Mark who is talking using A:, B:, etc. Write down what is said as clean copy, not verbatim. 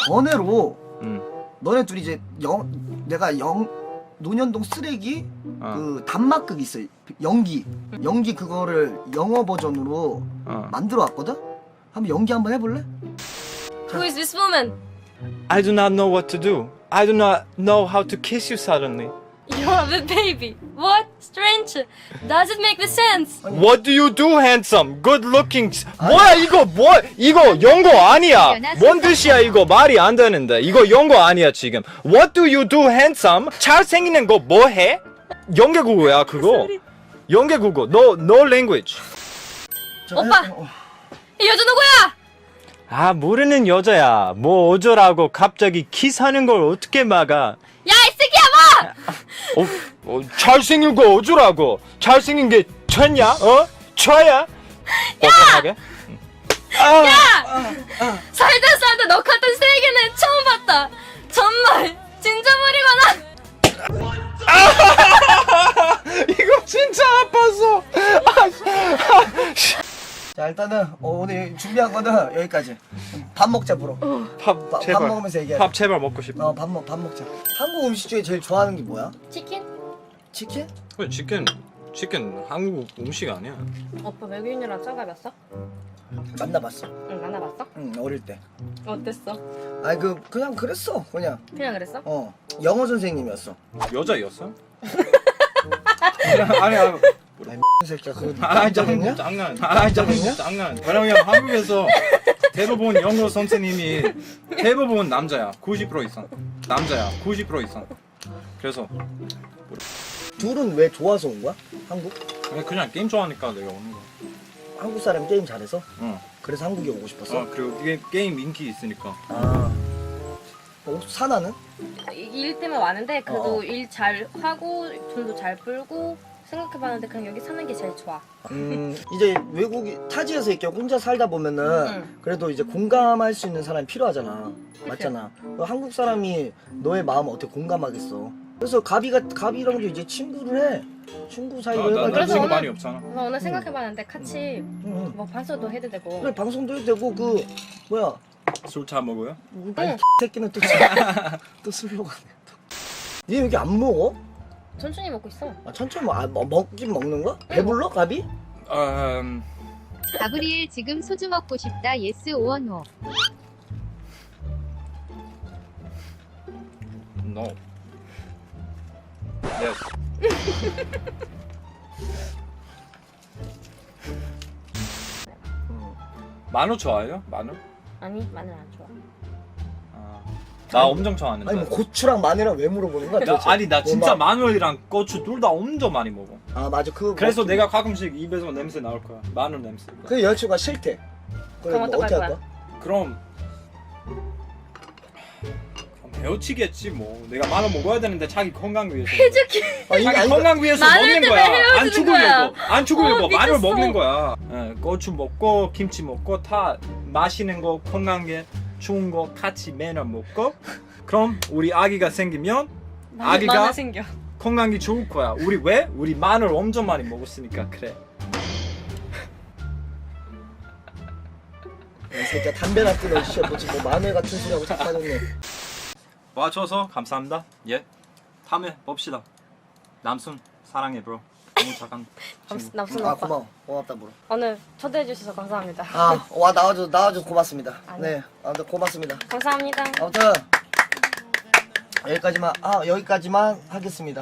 A: 번외로 너네 둘이 이제 내가 논현동 쓰레기 그 단막극 있어. 연기 그거를 영어 버전으로 만들어 왔거든. 한번 연기 한번 해볼래?
B: Who is this woman?
C: I do not know what to do. I do not know how to kiss you suddenly.
B: You're a baby. What? Strange. Does it make the sense?
C: What do you do, handsome? Good looking. 뭐야 이거 이거 영어 아니야. 뭔 뜻이야 이거 말이 안 되는데. 이거 영어 아니야 지금. What do you do, handsome? 잘생기는 거 뭐 해? 영계국어야 그거. 영계국어. No language.
B: 오빠. 이 여자 누구야?
C: 아 모르는 여자야. 뭐 어쩌라고 갑자기 키스하는 걸 어떻게 막아?
B: 야, 이 새끼야 뭐!
C: 잘생긴 거 어쩌라고? 잘생긴 게 천냐? 쳐야? 뻔뻔하게?
B: 야! 살다 너 같은 세계는 처음 봤다. 정말 진짜 머리가
C: 이거 진짜 아팠어.
A: 자 일단은 오늘 준비한 거는 여기까지. 밥 먹자 브로.
C: 밥 제발.
A: 밥 먹으면서 얘기해.
C: 밥 제발 먹고 싶어.
A: 밥 먹자. 한국 음식 중에 제일 좋아하는 게 뭐야?
B: 치킨?
A: 치킨?
C: 그래 치킨 한국 음식 아니야.
B: 오빠 외국인이랑 짝가봤어?
A: 만나봤어.
B: 응, 만나봤어?
A: 응 어릴 때.
B: 어땠어?
A: 아니 그냥 그랬어 그냥.
B: 그냥 그랬어?
A: 영어 선생님이었어.
C: 여자였어? 아니
A: 이 새끼야 그거 깜짝이야?
C: 장난. 왜냐면 한국에서 대부분 영어 선생님이 대부분 남자야. 90% 이상. 남자야. 90% 이상. 그래서
A: 둘은 왜 좋아서 온 거야? 한국?
C: 그냥 게임 좋아하니까 내가 오는 거야.
A: 한국 사람 게임 잘해서?
C: 응.
A: 그래서 한국에 오고 싶었어?
C: 그리고 게임 인기 있으니까.
A: 사나는?
B: 일 때문에 왔는데 그래도
A: 어.
B: 일 잘 하고 돈도 잘 벌고 생각해봤는데 그냥 여기 사는 게 제일 좋아.
A: 이제 외국이 타지에서 이렇게 혼자 살다 보면은 그래도 이제 공감할 수 있는 사람이 필요하잖아. 맞잖아. 한국 사람이 너의 마음을 어떻게 공감하겠어? 그래서 가비랑도 이제 친구를 해. 친구 사이로
C: 나
B: 그래서
C: 친구
B: 오늘-
C: 많이 없잖아.
B: 그래서 오늘 생각해봤는데 같이 뭐 방송도 해도 되고.
A: 그래 방송도 해도 되고 그 뭐야
C: 술 잘 먹어요?
A: 아니 새끼는 또 술로 가네. 니 여기 안 먹어?
B: 천천히 먹고 있어.
A: 천천히 먹긴 먹는 거야? 배불러 가비?
D: 가브리엘 지금 소주 먹고 싶다. 예스 오어 노.
C: No. Yes. 마늘 좋아해요? 마늘?
B: 아니 마늘 안 좋아.
C: 나 엄청 좋아하는데.
A: 아니 뭐 고추랑 마늘이랑 왜 물어보는 거야? 도대체?
C: 아니 나 진짜
A: 뭐
C: 마늘이랑 고추 둘 다 엄청 많이 먹어.
A: 맞아 그거
C: 그래서 내가 가끔씩 입에서 냄새 나올 거야. 마늘 냄새.
A: 그 여자친구가 싫대.
B: 그럼
A: 뭐
B: 어떡할 거야?
C: 그럼 헤어치겠지 뭐. 내가 마늘 먹어야 되는데 자기 건강 위해서.
B: 해줄게.
C: 자기 건강 위해서
B: 마늘
C: 먹는
B: 때문에
C: 거야. 안
B: 헤어지는 거야.
C: 죽으려고. 안 죽으려고 마늘
B: 미쳤어.
C: 먹는 거야. 고추 먹고 김치 먹고 다 맛있는 거 건강에 좋은 거 같이 매너 먹고. 그럼 우리 아기가 생기면 아기가
B: 마늘 생겨.
C: 건강이 좋을 거야. 우리 왜? 우리 마늘 엄청 많이 먹었으니까 그래.
A: 이 새끼야 담배나 끊어 씨. 너 지금 뭐 마늘 같은 소리 하고 자꾸 하겠네.
C: 와줘서 감사합니다. 예. 다음에 봅시다. 남순 사랑해 브로. 너무 착한 친구.
B: 남순 오빠.
A: 고맙다 브로.
B: 오늘 초대해 주셔서 감사합니다.
A: 와 나와줘서 고맙습니다.
B: 아니.
A: 네 아무튼 고맙습니다.
B: 감사합니다.
A: 아무튼 여기까지만 하겠습니다.